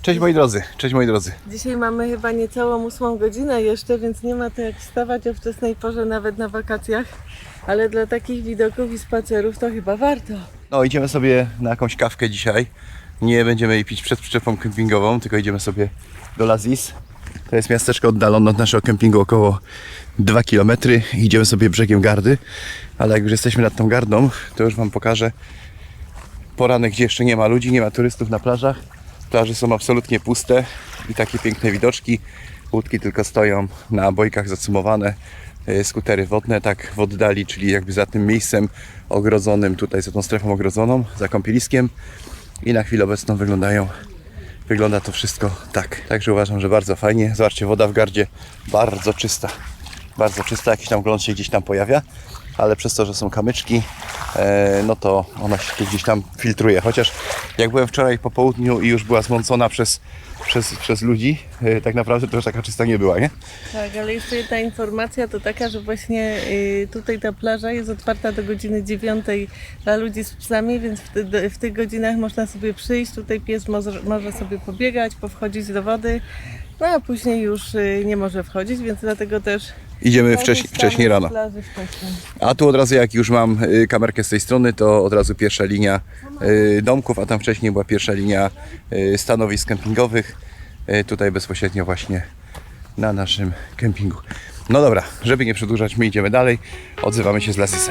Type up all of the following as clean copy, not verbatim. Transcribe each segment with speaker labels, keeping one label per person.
Speaker 1: Cześć moi drodzy, cześć moi drodzy.
Speaker 2: Dzisiaj mamy chyba niecałą 8 godzinę jeszcze, więc nie ma to jak wstawać o wczesnej porze nawet na wakacjach. Ale dla takich widoków i spacerów to chyba warto.
Speaker 1: No idziemy sobie na jakąś kawkę dzisiaj. Nie będziemy jej pić przed przyczepą kempingową, tylko idziemy sobie do Lazis. To jest miasteczko oddalone od naszego kempingu około 2 km. Idziemy sobie brzegiem Gardy, ale jak już jesteśmy nad tą Gardą, to już Wam pokażę poranek, gdzie jeszcze nie ma ludzi, nie ma turystów na plażach. Plaże są absolutnie puste i takie piękne widoczki. Łódki tylko stoją na bojkach zacumowane, skutery wodne tak w oddali, czyli jakby za tym miejscem ogrodzonym, tutaj za tą strefą ogrodzoną, za kąpieliskiem i na chwilę obecną wygląda to wszystko tak. Także uważam, że bardzo fajnie. Zobaczcie, woda w Gardzie bardzo czysta, jakiś tam gląd się gdzieś tam pojawia, ale przez to, że są kamyczki, no to ona się gdzieś tam filtruje. Chociaż jak byłem wczoraj po południu i już była zmącona przez ludzi, tak naprawdę to już taka czysta nie była, nie?
Speaker 2: Tak, ale jeszcze jedna informacja to taka, że właśnie tutaj ta plaża jest otwarta do godziny 9 dla ludzi z psami, więc w tych godzinach można sobie przyjść, tutaj pies może sobie pobiegać, powchodzić do wody, no a później już nie może wchodzić, więc dlatego też
Speaker 1: Idziemy wcześniej rano.
Speaker 2: plaży wcześniej.
Speaker 1: A tu od razu, jak już mam kamerkę z tej strony, to od razu pierwsza linia domków, a tam wcześniej była pierwsza linia stanowisk kempingowych. Tutaj bezpośrednio właśnie na naszym kempingu. No dobra, żeby nie przedłużać, my idziemy dalej. Odzywamy się z Lazisa.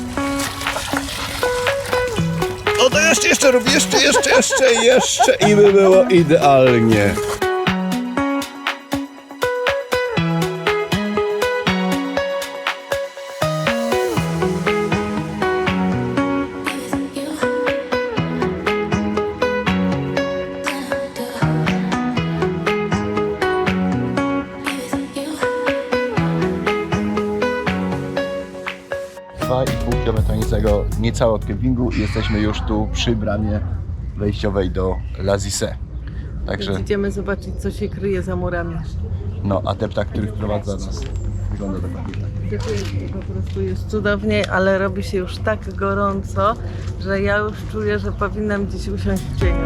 Speaker 1: O to jeszcze robię, jeszcze i by było idealnie. Niecałe od kempingu i jesteśmy już tu przy bramie wejściowej do Lazise. Także
Speaker 2: Więc idziemy zobaczyć, co się kryje za murami.
Speaker 1: no, a deptak, który wprowadza nas, wygląda dokładnie tak.
Speaker 2: Dziękuję, po prostu jest cudownie, ale robi się już tak gorąco, że ja już czuję, że powinnam gdzieś usiąść w cieniu.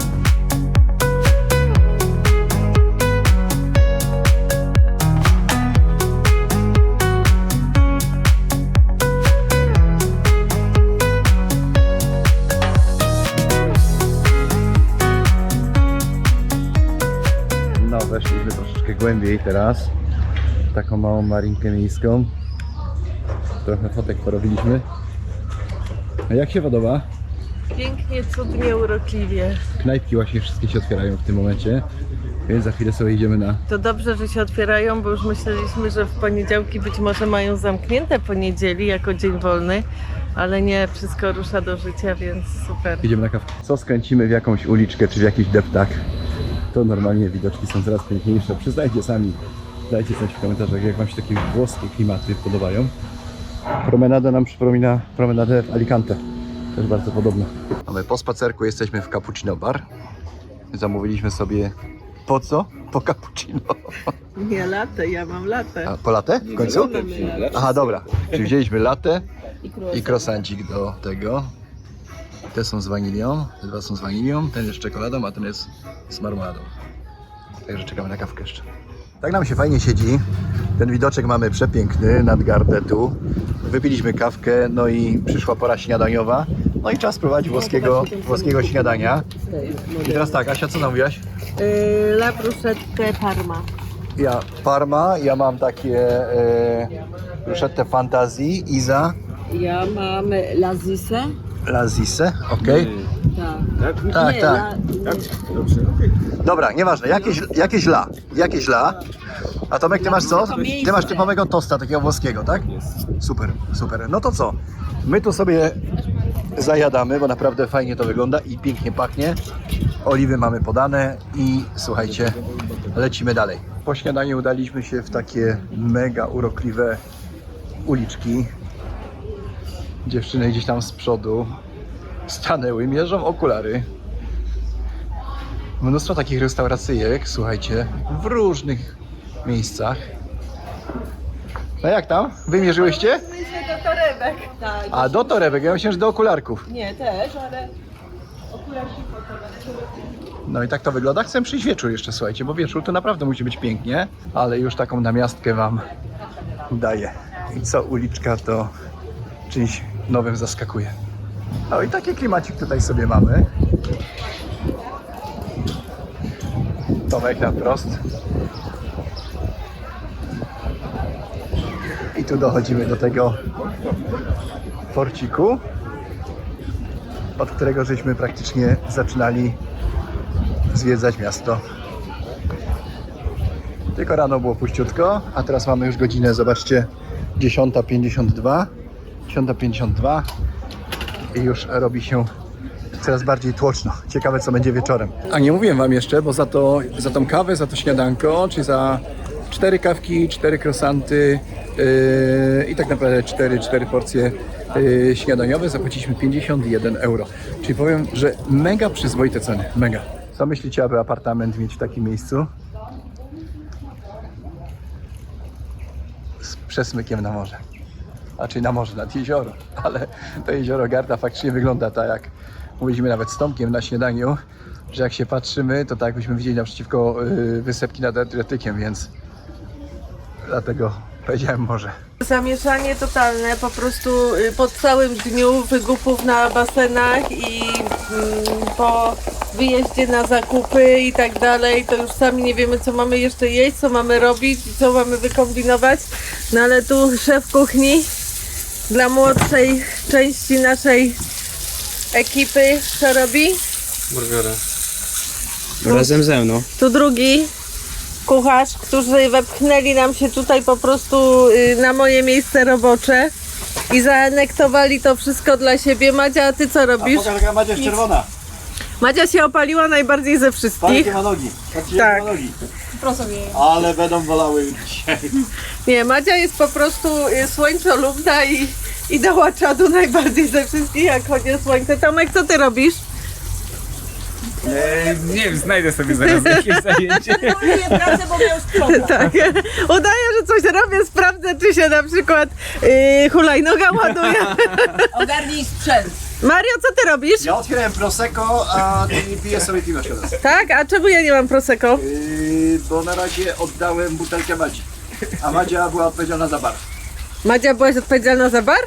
Speaker 1: No, weszliśmy troszeczkę głębiej teraz, w taką małą marinkę miejską. Trochę fotek porobiliśmy. A jak się podoba?
Speaker 2: Pięknie, cudnie, urokliwie.
Speaker 1: Knajpki właśnie wszystkie się otwierają w tym momencie, więc za chwilę sobie idziemy na...
Speaker 2: To dobrze, że się otwierają, bo już myśleliśmy, że w poniedziałki być może mają zamknięte po niedzieli jako dzień wolny, ale nie, wszystko rusza do życia, więc super.
Speaker 1: Idziemy na kawkę. Co skręcimy w jakąś uliczkę czy w jakiś deptak, to normalnie widoczki są coraz piękniejsze. Przyznajcie sami, dajcie znać w komentarzach, jak Wam się takie włoskie klimaty podobają. Promenada nam przypomina promenadę w Alicante. Też bardzo podobna. Mamy po spacerku, jesteśmy w Cappuccino Bar. Zamówiliśmy sobie... Po co? Po cappuccino.
Speaker 2: Nie latte, ja mam latte.
Speaker 1: A po latte? W końcu? Aha, dobra. Czyli wzięliśmy latte i croissancik do tego. Te są z wanilią, te dwa są z wanilią, ten jest z czekoladą, a ten jest z marmoladą. Także czekamy na kawkę jeszcze. Tak nam się fajnie siedzi. Ten widoczek mamy przepiękny nad Gardę tu. Wypiliśmy kawkę, no i przyszła pora śniadaniowa. No i czas spróbować włoskiego śniadania. I teraz tak, Asia, co zamówiłaś?
Speaker 2: La bruschetta Parma.
Speaker 1: Ja Parma, ja mam takie bruschette fantazji, Iza,
Speaker 3: Ja mam Lazisę.
Speaker 1: Lazise, okej.
Speaker 3: Tak.
Speaker 1: Tak. Dobra, nieważne, jakieś la. A Tomek, ty masz co? Ty masz typowego tosta, takiego włoskiego, tak? Super. No to co? My tu sobie zajadamy, bo naprawdę fajnie to wygląda i pięknie pachnie. Oliwy mamy podane i słuchajcie, lecimy dalej. Po śniadaniu udaliśmy się w takie mega urokliwe uliczki. Dziewczyny gdzieś tam z przodu stanęły, mierzą okulary. Mnóstwo takich restauracyjek, słuchajcie, w różnych miejscach. No jak tam? Wymierzyłyście?
Speaker 2: Myślę do torebek.
Speaker 3: Tak.
Speaker 1: A do torebek, ja myślałem, że do okularków.
Speaker 2: Nie, też, ale
Speaker 3: okularki
Speaker 1: No i tak to wygląda. Chcę przyjść wieczór jeszcze, słuchajcie, bo wieczór to naprawdę musi być pięknie, ale już taką namiastkę wam daję. I co uliczka to czymś nowym zaskakuje. No i taki klimacik tutaj sobie mamy. Tomek na wprost. I tu dochodzimy do tego porciku, od którego żeśmy praktycznie zaczynali zwiedzać miasto. Tylko rano było puściutko, a teraz mamy już godzinę, zobaczcie, 10:52. 10:52 i już robi się coraz bardziej tłoczno. Ciekawe, co będzie wieczorem. A nie mówiłem wam jeszcze, bo za tą kawę, za to śniadanko, czyli za 4 kawki, 4 croissanty i tak naprawdę 4 porcje śniadaniowe zapłaciliśmy 51 euro. Czyli powiem, że mega przyzwoite ceny, mega. Co myślicie, aby apartament mieć w takim miejscu? Z przesmykiem na morze. Znaczy na morze, nad jezioro, ale to jezioro Garda faktycznie wygląda tak, jak mówiliśmy nawet z Tomkiem na śniadaniu, że jak się patrzymy, to tak jakbyśmy widzieli naprzeciwko wysepki nad Adriatykiem, więc dlatego powiedziałem morze.
Speaker 2: Zamieszanie totalne, po prostu po całym dniu wygupów na basenach i po wyjeździe na zakupy i tak dalej, to już sami nie wiemy, co mamy jeszcze jeść, co mamy robić i co mamy wykombinować. No ale tu szef kuchni dla młodszej części naszej ekipy co robi?
Speaker 4: Burgery. Razem ze mną.
Speaker 2: Tu drugi kucharz, którzy wepchnęli nam się tutaj po prostu na moje miejsce robocze i zaanektowali to wszystko dla siebie. Madzia, a ty co robisz?
Speaker 1: Jaka Madzia jest czerwona.
Speaker 2: Madzia się opaliła najbardziej ze wszystkich.
Speaker 1: ma nogi.
Speaker 2: Tak.
Speaker 1: Ale będą bolały dzisiaj.
Speaker 2: Nie, Madzia jest po prostu słońcolubna i dała czadu najbardziej ze wszystkich, jak chodzi o słońce. Tomek, co ty robisz?
Speaker 4: Nie wiem, znajdę sobie zaraz jakieś zajęcie.
Speaker 3: pracę, bo miał sprzątać.
Speaker 2: Tak, udaję, że coś robię, sprawdzę, czy się na przykład hulajnoga ładuje.
Speaker 3: Ogarnij sprzęt.
Speaker 2: Mario, co ty robisz?
Speaker 1: Ja otwierałem Prosecco, a ty piję sobie piwo teraz.
Speaker 2: Tak? A czemu ja nie mam Prosecco?
Speaker 1: Bo na razie oddałem butelkę Madzi. A Madzia była odpowiedzialna za bar.
Speaker 2: Madzia, byłaś odpowiedzialna za bar?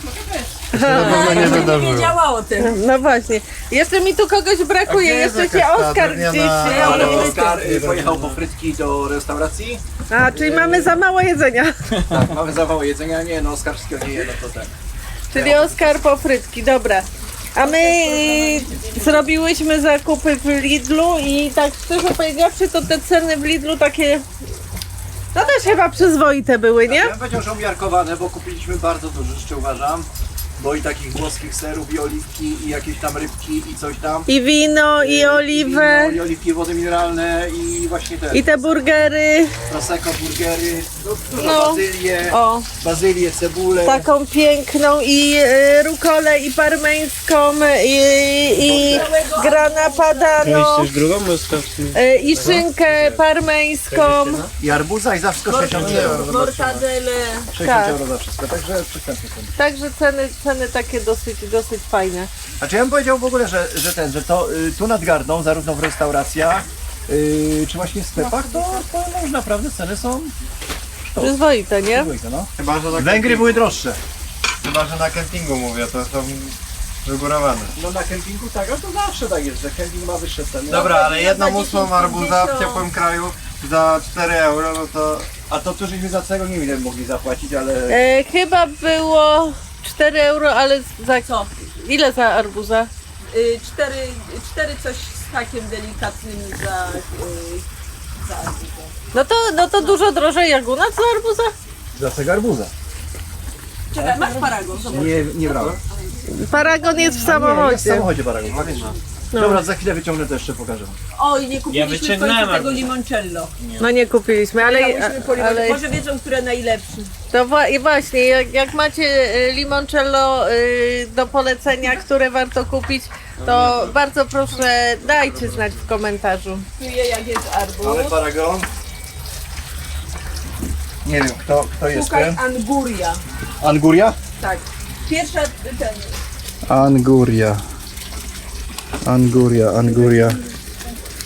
Speaker 3: Nie wiedziała o tym.
Speaker 2: No właśnie. Jeszcze mi tu kogoś brakuje, jeszcze się Oskar gdzieś...
Speaker 1: Ale Oskar pojechał po frytki do restauracji.
Speaker 2: A, czyli mamy za mało jedzenia.
Speaker 1: Tak, mamy zawał jedzenia. Nie, no Oskar wszystkiego nie je, no to tak.
Speaker 2: Czyli Oskar po frytki, dobra. A my zrobiłyśmy zakupy w Lidlu i tak szczerze powiedziawszy, to te ceny w Lidlu takie... No też chyba przyzwoite były, nie?
Speaker 1: Ja bym powiedział, że umiarkowane, bo kupiliśmy bardzo dużo rzeczy, uważam. Bo i takich włoskich serów, i oliwki, i jakieś tam rybki, i coś tam.
Speaker 2: I wino, i oliwę,
Speaker 1: I oliwki, wody mineralne, i właśnie te
Speaker 2: i te burgery.
Speaker 1: Prosecco, burgery, dużo
Speaker 2: No.
Speaker 1: bazylię,
Speaker 2: O,
Speaker 1: bazylię, cebulę.
Speaker 2: taką piękną i rukolę, i parmeńską, i grana padano,
Speaker 4: drugą
Speaker 2: i szynkę parmeńską.
Speaker 1: I arbuza, i za wszystko 60 euro.
Speaker 3: Mortadele.
Speaker 1: 60
Speaker 2: Tak.
Speaker 1: euro za wszystko, także przystępnie są.
Speaker 2: Także ceny takie dosyć fajne.
Speaker 1: Znaczy ja bym powiedział w ogóle, że to tu nad Gardą, zarówno w restauracjach, czy właśnie w sklepach, to już naprawdę ceny są
Speaker 2: Przyzwoite, nie?
Speaker 1: dwójka, no.
Speaker 4: Chyba, że na
Speaker 1: Węgry były droższe.
Speaker 4: Chyba, że na kempingu mówię, to są wygórowane.
Speaker 1: No na kempingu tak, a to zawsze tak jest, że kemping ma wyższe ceny.
Speaker 4: Dobra, ale jedną
Speaker 3: 10,
Speaker 4: ósmą arbuza w
Speaker 3: 50.
Speaker 4: ciepłym kraju za 4 euro, no to...
Speaker 1: A to tu żeśmy za całego nie wiem ile mogli zapłacić, ale...
Speaker 2: Chyba było 4 euro, ale za co? Ile za arbuza?
Speaker 3: 4 coś z hakiem delikatnym za
Speaker 2: No to dużo drożej jak u nas za arbuza?
Speaker 1: Za cego arbuza?
Speaker 3: Czekaj, masz paragon. Zobacz.
Speaker 1: Nie brałem.
Speaker 2: Paragon jest w
Speaker 1: Jest w
Speaker 2: samochodzie.
Speaker 1: samochodzie paragon, faktycznie. Dobra, za chwilę wyciągnę to jeszcze pokażę wam.
Speaker 3: Oj, nie kupiliśmy w
Speaker 4: wyciągnąłem
Speaker 3: końcu tego
Speaker 4: arbuza.
Speaker 3: limoncello.
Speaker 2: No nie kupiliśmy, ale
Speaker 3: Może wiedzą, które najlepsze.
Speaker 2: to i właśnie, jak macie limoncello do polecenia, które warto kupić, to bardzo proszę dajcie znać w komentarzu.
Speaker 3: Czuję, jak jest arbuz.
Speaker 1: Ale paragon. Nie wiem, kto jest
Speaker 3: Szukaj
Speaker 1: ten?
Speaker 3: anguria.
Speaker 1: Anguria?
Speaker 3: Tak. Pierwsza ten.
Speaker 1: Anguria.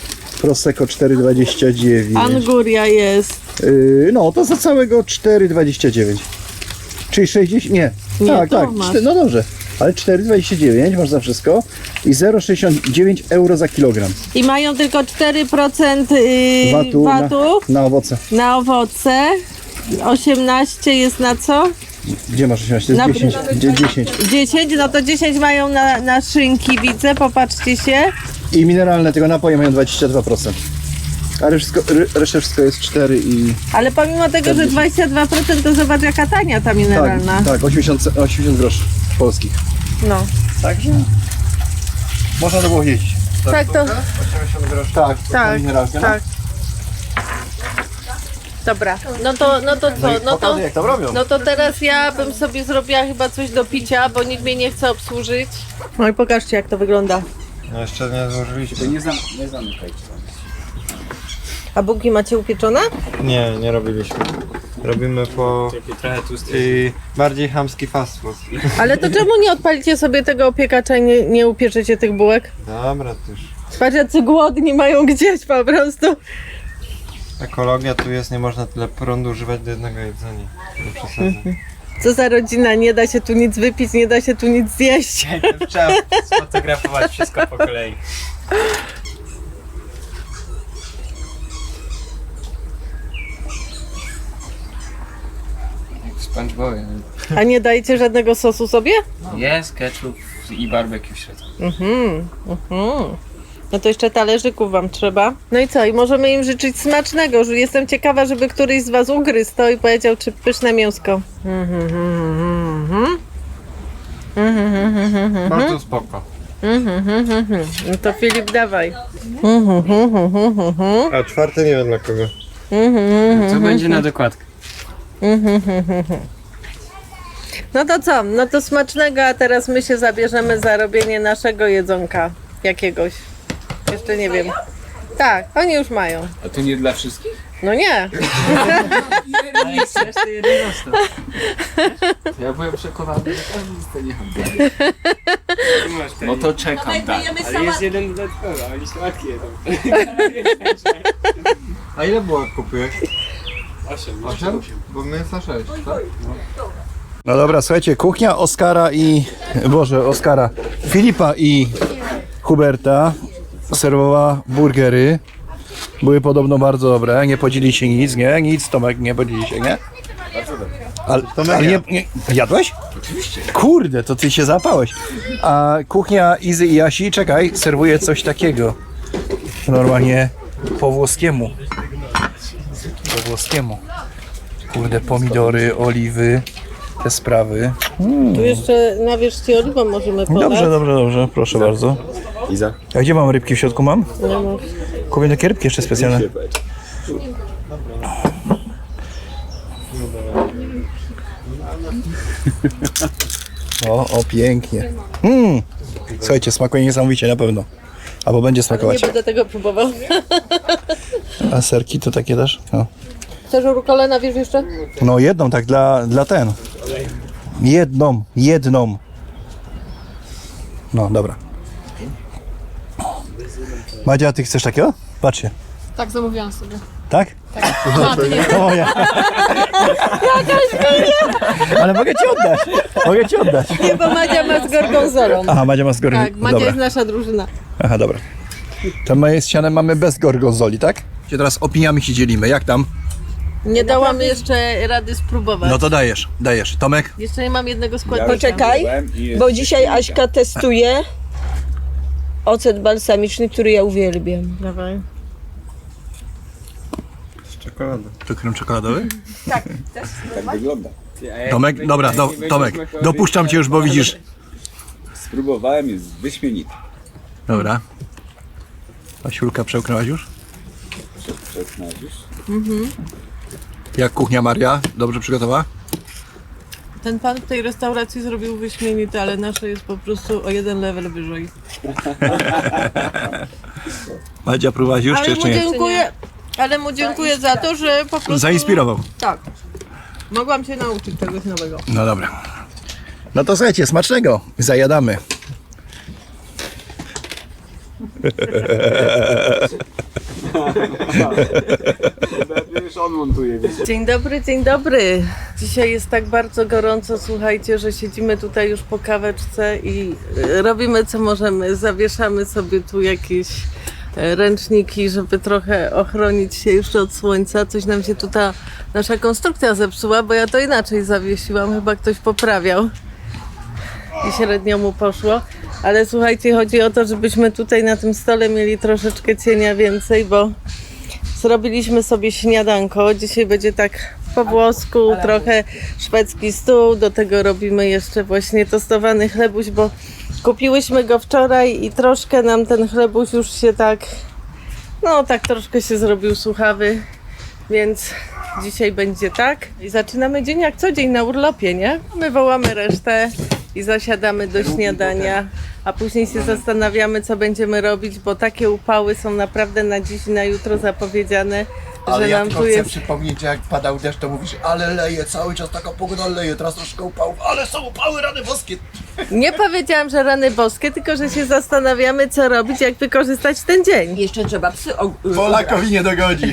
Speaker 1: Prosecco 4,29.
Speaker 2: Anguria jest.
Speaker 1: No to za całego 4,29. Czyli 60, nie.
Speaker 2: Nie,
Speaker 1: tak,
Speaker 2: to
Speaker 1: tak.
Speaker 2: masz.
Speaker 1: No dobrze. Ale 4,29 masz za wszystko i 0,69 euro za kilogram.
Speaker 2: I mają tylko 4%
Speaker 1: Watu na owoce.
Speaker 2: na owoce. 18 jest na co?
Speaker 1: Gdzie masz 18?
Speaker 2: Na-
Speaker 1: 10. 10.
Speaker 2: 10, no to 10 mają na szynki, widzę, popatrzcie się.
Speaker 1: I mineralne tego napoje mają 22%. A reszta wszystko jest 4 i...
Speaker 2: Ale pomimo tego, że 22%, to zobacz jaka tania ta mineralna.
Speaker 1: Tak, 80 groszy polskich.
Speaker 2: No.
Speaker 1: Także można to było jeździć.
Speaker 2: Tak, to...
Speaker 4: 80 groszy.
Speaker 1: Tak,
Speaker 2: Tak,
Speaker 1: mineralka.
Speaker 2: tak. Dobra, no to co? No to,
Speaker 1: jak tam robią.
Speaker 2: no to teraz ja bym sobie zrobiła chyba coś do picia, bo nikt mnie nie chce obsłużyć. No i pokażcie jak to wygląda.
Speaker 4: No jeszcze nie złożyliśmy.
Speaker 1: Nie zamykajcie.
Speaker 2: A bułki macie upieczone?
Speaker 4: Nie robiliśmy. Robimy po... I bardziej chamski fast food.
Speaker 2: Ale to czemu nie odpalicie sobie tego opiekacza i nie upieczycie tych bułek?
Speaker 4: Dobra, to już.
Speaker 2: Patrz jacy głodni mają gdzieś po prostu.
Speaker 4: Ekologia tu jest, nie można tyle prądu używać do jednego jedzenia. Nie przesadzę.
Speaker 2: Co za rodzina, nie da się tu nic wypić, nie da się tu nic zjeść.
Speaker 5: Trzeba sfotografować wszystko po kolei. SpongeBob.
Speaker 2: A nie dajecie żadnego sosu sobie?
Speaker 5: Jest ketchup i barbecue w środku.
Speaker 2: No to jeszcze talerzyków wam trzeba. No i co? I możemy im życzyć smacznego. Że jestem ciekawa, żeby któryś z was ugryzł to i powiedział, czy pyszne mięsko.
Speaker 4: Bardzo spoko.
Speaker 2: No to Filip, dawaj.
Speaker 4: A czwarty nie wiem dla kogo.
Speaker 5: Co będzie na dokładkę?
Speaker 2: No to co? No to smacznego, a teraz my się zabierzemy za robienie naszego jedzonka. Jakiegoś. Jeszcze nie wiem. Tak, oni już mają.
Speaker 5: A to nie dla wszystkich?
Speaker 2: No nie.
Speaker 5: A jak chcesz, to jeden został. Ja byłem przekonany, że każdy dostanie hamburger. No to czekam, tak. Ale jest jeden dodatkowy, a oni słodkie jedzą.
Speaker 4: A ile bułek kupiłeś?
Speaker 5: 8.
Speaker 4: 8? Bo my jest na 6, tak?
Speaker 1: No dobra, słuchajcie, kuchnia Filipa i Huberta serwowała burgery. Były podobno bardzo dobre, nie podzieli się nic, nie? Nic, Tomek, nie podzieli się, nie? Ale nie, jadłeś?
Speaker 5: Oczywiście.
Speaker 1: Kurde, to ty się zapałeś. A kuchnia Izy i Jasi, czekaj, serwuje coś takiego. Normalnie po włoskiemu. Po włoskiemu. Kurde, pomidory, oliwy, te sprawy.
Speaker 2: Tu jeszcze na wierzchni oliwą możemy podać.
Speaker 1: Dobrze, proszę bardzo.
Speaker 6: Iza?
Speaker 1: A gdzie mam rybki w środku mam?
Speaker 2: Nie ma.
Speaker 1: Kupię takie rybki jeszcze specjalne. O, pięknie. Słuchajcie, smakuje niesamowicie na pewno. Albo będzie
Speaker 2: Nie
Speaker 1: smakować.
Speaker 2: będę tego próbował.
Speaker 1: A serki to takie też? No.
Speaker 2: Chcesz rukolę na wierzch jeszcze?
Speaker 1: No jedną tak dla ten. Jedną. No dobra. Madzia, ty chcesz takiego? Patrzcie.
Speaker 7: Tak, zamówiłam sobie.
Speaker 1: Tak?
Speaker 7: A, to nie.
Speaker 1: To moja. Ale mogę ci oddać.
Speaker 2: Nie, bo Madzia ma z gorgonzolą.
Speaker 1: Aha, Madzia ma z gorgonzoli.
Speaker 2: Tak, Madzia jest nasza drużyna.
Speaker 1: Aha, dobra. To my z Sianem mamy bez gorgonzoli, tak? Teraz opiniami się dzielimy. Jak tam?
Speaker 2: Nie dałam jeszcze rady spróbować.
Speaker 1: No to dajesz. Tomek?
Speaker 2: Jeszcze nie mam jednego składnika.
Speaker 3: Poczekaj, bo dzisiaj Aśka testuje ocet balsamiczny, który ja uwielbiam.
Speaker 2: Dawaj.
Speaker 4: Czekolada.
Speaker 1: To krem czekoladowy?
Speaker 6: Tak wygląda.
Speaker 1: Tomek? Dobra, Tomek. Dopuszczam cię już, bo widzisz.
Speaker 6: Spróbowałem, jest wyśmienity.
Speaker 1: Dobra. Asiulka, przełknęłaś już?
Speaker 6: Przełknąłeś już?
Speaker 1: Jak kuchnia Maria? Dobrze przygotowała?
Speaker 2: Ten pan w tej restauracji zrobił wyśmienite, ale nasze jest po prostu o jeden level wyżej.
Speaker 1: Madzia, próbowałaś już, czy jeszcze nie?
Speaker 2: Ale mu dziękuję za to, że po prostu...
Speaker 1: Zainspirował.
Speaker 2: Tak. Mogłam się nauczyć czegoś nowego.
Speaker 1: No dobra. No to słuchajcie, smacznego. Zajadamy.
Speaker 6: Już on montuje, wiesz.
Speaker 2: Dzień dobry, dzień dobry. Dzisiaj jest tak bardzo gorąco, słuchajcie, że siedzimy tutaj już po kaweczce i robimy co możemy. Zawieszamy sobie tu jakieś ręczniki, żeby trochę ochronić się jeszcze od słońca. Coś nam się tu ta nasza konstrukcja zepsuła, bo ja to inaczej zawiesiłam. Chyba ktoś poprawiał i średnio mu poszło. Ale słuchajcie, chodzi o to, żebyśmy tutaj na tym stole mieli troszeczkę cienia więcej, bo zrobiliśmy sobie śniadanko. Dzisiaj będzie tak po włosku, trochę szwedzki stół. Do tego robimy jeszcze właśnie tostowany chlebuś, bo kupiłyśmy go wczoraj i troszkę nam ten chlebuś już się tak, no tak troszkę się zrobił suchawy, więc dzisiaj będzie tak. I zaczynamy dzień jak co dzień na urlopie, nie? My wołamy resztę i zasiadamy do śniadania, a później się zastanawiamy, co będziemy robić, bo takie upały są naprawdę na dziś i na jutro zapowiedziane,
Speaker 1: Ale
Speaker 2: że
Speaker 1: ja
Speaker 2: nam
Speaker 1: tylko
Speaker 2: tu
Speaker 1: chcę
Speaker 2: jest...
Speaker 1: przypomnieć, że jak padał deszcz, to mówisz, ale leje, cały czas taka pogoda leje, teraz troszkę upałów, ale są upały, rany boskie.
Speaker 2: Nie powiedziałam, że rany boskie, tylko że się zastanawiamy, co robić, jak wykorzystać ten dzień.
Speaker 3: Jeszcze trzeba psy
Speaker 1: Polakowi nie dogodzi.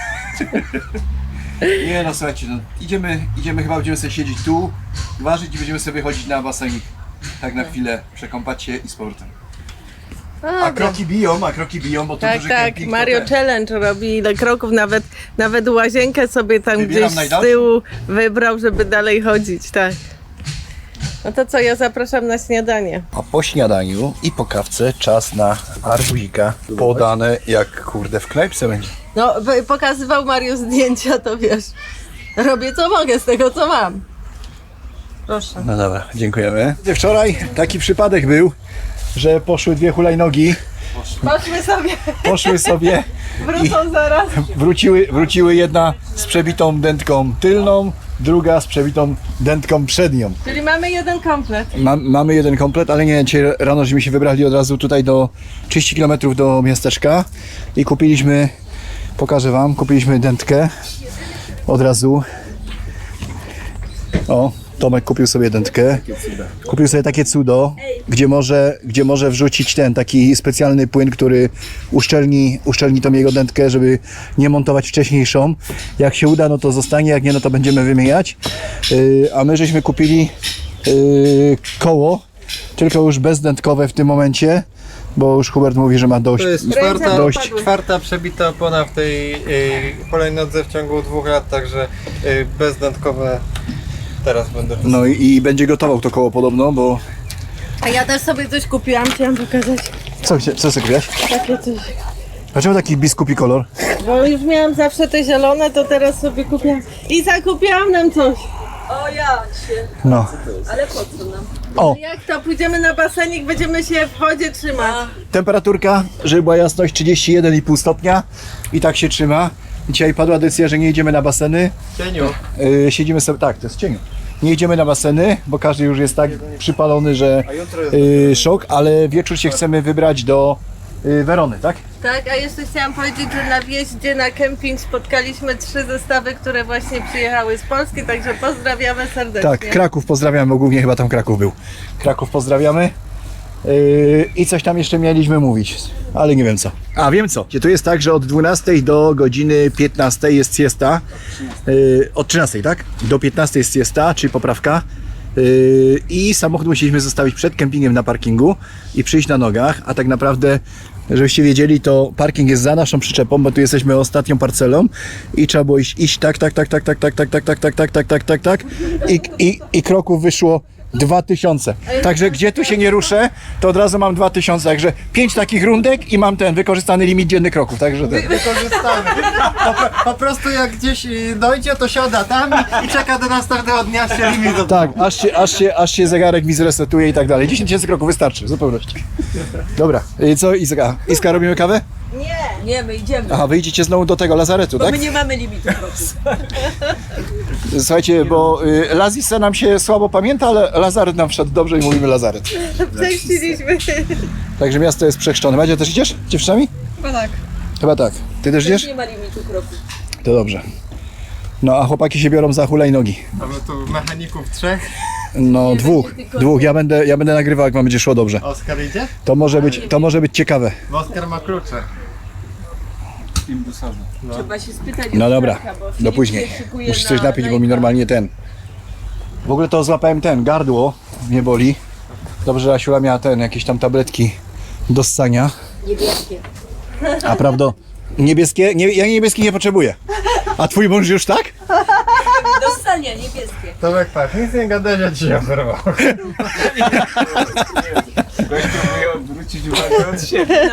Speaker 1: Nie no, słuchajcie, no, idziemy, chyba będziemy sobie siedzieć tu, ważyć i będziemy sobie chodzić na basenik. Tak na chwilę, przekąpać się i z powrotem. A kroki biją, bo to
Speaker 2: Tak,
Speaker 1: duży
Speaker 2: tak,
Speaker 1: kemping.
Speaker 2: Mario
Speaker 1: to
Speaker 2: Challenge robi ile kroków, nawet łazienkę sobie tam
Speaker 1: Wybieram
Speaker 2: gdzieś z
Speaker 1: najdalszą.
Speaker 2: tyłu wybrał, żeby dalej chodzić, tak. No to co, ja zapraszam na śniadanie.
Speaker 1: A po śniadaniu i po kawce czas na arbuzika. Podane jak kurde w knajpce będzie.
Speaker 2: No, pokazywał Mario zdjęcia, to wiesz, robię co mogę z tego, co mam. Proszę.
Speaker 1: No dobra, dziękujemy. Wczoraj taki przypadek był, że poszły dwie hulajnogi,
Speaker 2: Poszły sobie, wrócą zaraz.
Speaker 1: wróciły jedna z przebitą dętką tylną, druga z przebitą dętką przednią.
Speaker 2: Czyli mamy jeden komplet.
Speaker 1: Mamy jeden komplet, ale nie, dzisiaj rano żeśmy się wybrali od razu tutaj do 30 km do miasteczka i kupiliśmy, pokażę wam, kupiliśmy dętkę od razu. O, Tomek kupił sobie dętkę, kupił sobie takie cudo, gdzie może wrzucić ten taki specjalny płyn, który uszczelni tą jego dętkę, żeby nie montować wcześniejszą. Jak się uda, no to zostanie, jak nie, no to będziemy wymieniać. A my żeśmy kupili koło, tylko już bezdętkowe w tym momencie, bo już Hubert mówi, że ma dość.
Speaker 4: To jest czwarta przebita opona w tej hulajnodze w ciągu 2 lat, także bezdętkowe teraz będę.
Speaker 1: No i będzie gotował to koło podobno, bo...
Speaker 2: A ja też sobie coś kupiłam, chciałam pokazać
Speaker 1: Co sobie kupiłaś?
Speaker 2: takie coś.
Speaker 1: Dlaczego taki biskupi kolor?
Speaker 2: Bo już miałam zawsze te zielone, to teraz sobie kupiłam. I zakupiłam nam coś.
Speaker 3: O ja cię,
Speaker 1: No.
Speaker 3: ale po co nam?
Speaker 1: O,
Speaker 2: Jak to pójdziemy na basenik, będziemy się w wodzie trzymać.
Speaker 1: temperaturka, żeby była jasność, 31,5 stopnia i tak się trzyma. Dzisiaj padła decyzja, że nie idziemy na baseny.
Speaker 4: Cieniu.
Speaker 1: Siedzimy sobie, tak, to jest cieniu. Nie idziemy na baseny, bo każdy już jest tak przypalony, że szok, ale wieczór się chcemy wybrać do Werony, tak?
Speaker 2: Tak, a jeszcze chciałam powiedzieć, że na wjeździe na kemping spotkaliśmy 3 zestawy, które właśnie przyjechały z Polski, także pozdrawiamy serdecznie.
Speaker 1: Tak, Kraków pozdrawiamy, bo głównie chyba tam Kraków był. Kraków pozdrawiamy. I coś tam jeszcze mieliśmy mówić, ale nie wiem co. A wiem co. To jest tak, że od 12 do godziny 15 jest siesta. Od 13, tak? Do 15 jest siesta, czyli poprawka. I samochód musieliśmy zostawić przed kempingiem na parkingu i przyjść na nogach, a tak naprawdę, żebyście wiedzieli, to parking jest za naszą przyczepą, bo tu jesteśmy ostatnią parcelą i trzeba było iść tak i kroków wyszło 2000. Także gdzie tu się nie ruszę, to od razu mam 2000. Także 5 takich rundek i mam ten wykorzystany limit dziennych kroków. Także ten.
Speaker 4: Wykorzystamy. Po prostu jak gdzieś dojdzie, to siada tam i czeka do następnego dnia się limit.
Speaker 1: Tak, aż się zegarek mi zresetuje i tak dalej. 10 000 kroków wystarczy, w zupełności. Dobra, co Iska? Iska, robimy kawę?
Speaker 3: Nie, my idziemy.
Speaker 1: Aha, wyjdziecie znowu do tego lazaretu,
Speaker 3: Bo
Speaker 1: tak?
Speaker 3: my nie mamy limitu kroków.
Speaker 1: Słuchajcie, bo Lazisa nam się słabo pamięta, ale lazaret nam wszedł dobrze i mówimy lazaret.
Speaker 2: Prześciliśmy.
Speaker 1: Także miasto jest przechrzczone. Madzia, też idziesz z dziewczynami?
Speaker 7: Chyba tak.
Speaker 1: Chyba tak. Ty też idziesz?
Speaker 3: Nie ma limitu kroków.
Speaker 1: To dobrze. No a chłopaki się biorą za hulajnogi.
Speaker 4: Mamy tu mechaników 3.
Speaker 1: No dwóch. Ja będę nagrywał, jak wam będzie szło dobrze.
Speaker 4: Oskar idzie?
Speaker 1: To może być ciekawe.
Speaker 4: Bo Oskar ma klucze.
Speaker 5: imbusowe.
Speaker 3: Trzeba się spytać.
Speaker 1: No
Speaker 3: od
Speaker 1: dobra,
Speaker 3: Franka, bo
Speaker 1: do
Speaker 3: Filip
Speaker 1: później.
Speaker 3: się szykuje
Speaker 1: Muszę
Speaker 3: na
Speaker 1: coś napić, bo mi normalnie ten... W ogóle to złapałem gardło mnie boli. Dobrze, że Asiula miała jakieś tam tabletki do ssania.
Speaker 3: Niebieskie.
Speaker 1: A prawda, niebieskie? Ja niebieskich nie potrzebuję. A twój mąż już tak?
Speaker 3: Do stania niebieskie.
Speaker 4: Tomek, patrz, nic nie gadać, ja ci oferował.
Speaker 5: Gość próbuje odwrócić uwagę od siebie.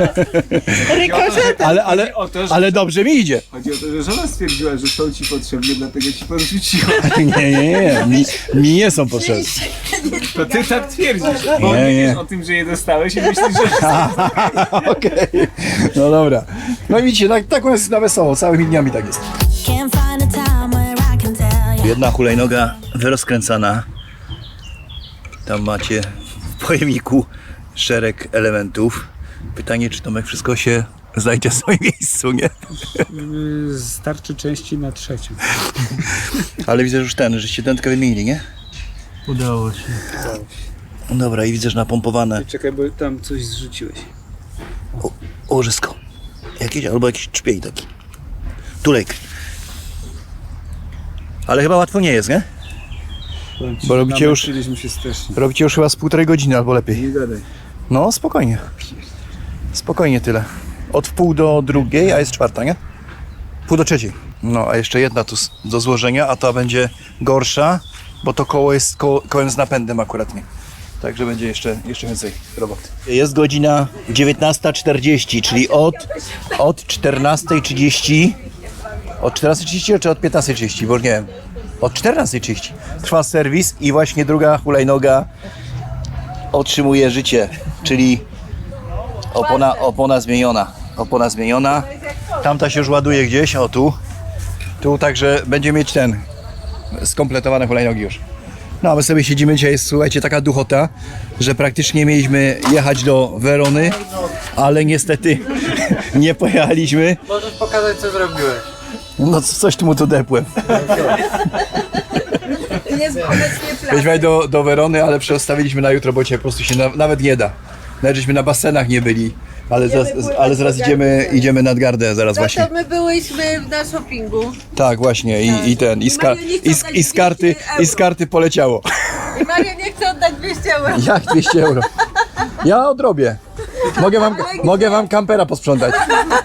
Speaker 1: Ale dobrze mi idzie.
Speaker 5: Chodzi o to, że żona stwierdziła, że są ci potrzebne, dlatego ci podrzuciła.
Speaker 1: Nie. Mi nie są potrzebne.
Speaker 5: To ty tak twierdzisz, bo
Speaker 1: Nie,
Speaker 5: nie
Speaker 1: nie.
Speaker 5: wiesz o tym, że je dostałeś i myślisz, że...
Speaker 1: Okej. No dobra. No i widzicie, tak u nas jest na wesoło. Całymi dniami tak jest.
Speaker 8: Can't find a time where I can tell you.
Speaker 1: Jedna hulajnoga wyrozkręcana. Tam macie w pojemniku szereg elementów. Pytanie, czy Tomek wszystko się znajdzie w swoim miejscu, nie?
Speaker 9: Starczy części na trzecią.
Speaker 1: Ale widzę, że już żeście tętkę wymienili, nie?
Speaker 9: Udało się.
Speaker 1: No dobra, i widzę, że napompowane
Speaker 9: Czekaj, bo tam coś zrzuciłeś.
Speaker 1: łożysko. Jakieś, albo jakiś czpień taki. Tulek. Ale chyba łatwo nie jest, nie? Bo robicie już,
Speaker 9: Namęczyliśmy się strasznie.
Speaker 1: robicie już chyba z 1,5 godziny albo lepiej.
Speaker 9: Nie gadaj.
Speaker 1: No, spokojnie. Spokojnie tyle. Od 1:30, a jest 4, nie? 2:30. No, a jeszcze jedna tu do złożenia, a ta będzie gorsza, bo to koło jest kołem z napędem akurat nie. Także będzie jeszcze więcej roboty. Jest godzina 19:40, czyli od 14:30. Od 14:30 czy od 15:30, bo już nie wiem. Od 14:30 trwa serwis i właśnie druga hulajnoga otrzymuje życie, czyli opona zmieniona. Opona zmieniona. Tamta się już ładuje gdzieś, o tu. Tu także będzie mieć skompletowane hulajnogi już. No a my sobie siedzimy, dzisiaj jest, słuchajcie, taka duchota, że praktycznie mieliśmy jechać do Werony, ale niestety nie pojechaliśmy.
Speaker 4: Możesz pokazać, co zrobiłeś.
Speaker 1: No coś tu mu tu depłem. Weźmy do Werony, ale przestawiliśmy na jutro, bo dzisiaj po prostu się nawet nie da. Nawet żeśmy na basenach nie byli, ale zaraz idziemy nad gardę, zaraz właśnie.
Speaker 2: To my byłyśmy na shoppingu.
Speaker 1: Tak, właśnie i z karty poleciało.
Speaker 2: I Maria nie chce oddać 200 euro.
Speaker 1: Jak 200 euro? Ja odrobię. Mogę wam kampera posprzątać.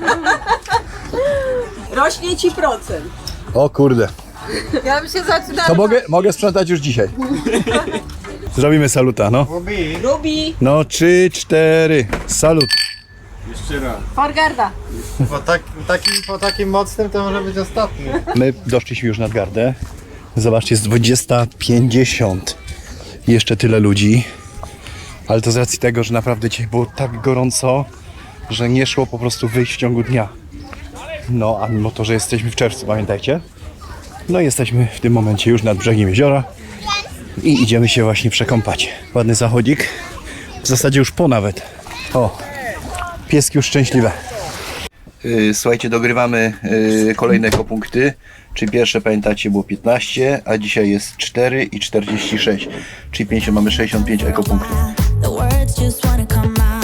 Speaker 3: Rośnie ci procent.
Speaker 1: O kurde.
Speaker 2: Ja bym się zaczynała.
Speaker 1: To mogę sprzątać już dzisiaj. Zrobimy saluta, no.
Speaker 3: Rubi.
Speaker 1: No 3, 4. Salut.
Speaker 5: Jeszcze raz.
Speaker 2: Fargarda.
Speaker 4: Po takim mocnym to może być ostatni.
Speaker 1: My doszliśmy już nad gardę. Zobaczcie, jest 20:50. Jeszcze tyle ludzi. Ale to z racji tego, że naprawdę dzisiaj było tak gorąco, że nie szło po prostu wyjść w ciągu dnia. No, a mimo to, że jesteśmy w czerwcu, pamiętajcie. No jesteśmy w tym momencie już nad brzegiem jeziora i idziemy się właśnie przekąpać. Ładny zachodzik. W zasadzie już po nawet. O, pieski już szczęśliwe. Słuchajcie, dogrywamy kolejne ekopunkty. Czyli pierwsze, pamiętacie, było 15, a dzisiaj jest 4 i 46. Czyli 50, mamy 65 ekopunktów.
Speaker 8: The words just wanna come out.